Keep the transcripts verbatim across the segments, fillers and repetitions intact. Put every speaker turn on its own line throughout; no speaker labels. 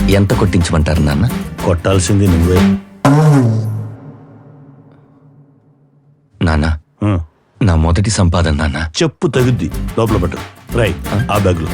ఎంత కొట్టించమంటారు నాన్న?
కొట్టాల్సింది నువ్వే.
నాన్న, నా మొదటి సంపాదన నాన్న.
చెప్పు తగుద్ది, లోపల పట్టు. రై ఆ బ్యాగ్లో.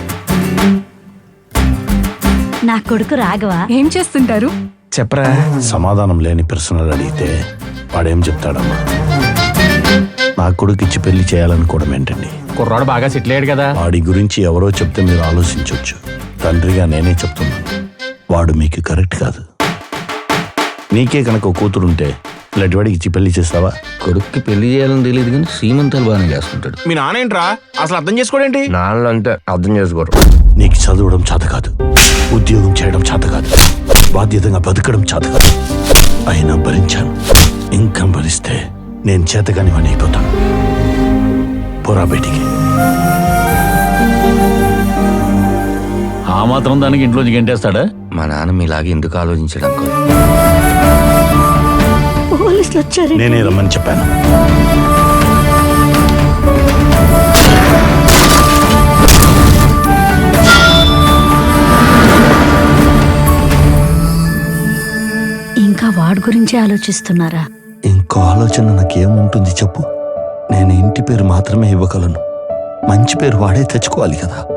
నా కొడుకు రాఘవ
ఏం చేస్తుంటారు?
చెప్పరా.
సమాధానం లేని ప్రశ్నలు అడిగితే వాడేం చెప్తాడమ్మా? నా కొడుకు ఇచ్చి పెళ్లి చేయాలనుకోవడం ఏంటండి?
కుర్రాడు బాగా సెటిల్ అయ్యాడు కదా.
వాడి గురించి ఎవరో చెప్తే మీరు ఆలోచించవచ్చు. తండ్రిగా నేనే చెప్తున్నాను, వాడు మీకు కరెక్ట్ కాదు. నీకే కనుక కూతురుంటే ఇలాంటి వాడికి ఇచ్చి పెళ్లి చేస్తావా?
కొడుక్కి పెళ్లి చేయాలని తెలియదు కానీ సీమంతాలు బాగానే చేస్తుంటాడు.
మీ నాన్న ఏంట్రా అసలు అర్థం చేసుకోడేంటి?
నాన్న అంటే అర్థం చేసుకోరు.
నీకు చదవడం చేత కాదు, ఉద్యోగం చేయడం చేత కాదు, బాధ్యతగా బతకడం చేత కాదు. అయినా భరించాను. ఇంకా భరిస్తే నేను చేతగాని వాడిని అయిపోతాను. పోరా బయటికి.
ఆ మాత్రం దానికి ఇంట్లోంచి గెంటేస్తాడా?
మా నాన్న మీలాగే ఎందుకు ఆలోచించడం?
పోలీసులు వచ్చారు.
నేనే రమ్మని చెప్పాను.
ఇంకా వాడి గురించి ఆలోచిస్తున్నారా?
ఇంకో ఆలోచన నాకేముంటుంది చెప్పు? నేను ఇంటి పేరు మాత్రమే ఇవ్వగలను. మంచి పేరు వాడే తెచ్చుకోవాలి కదా.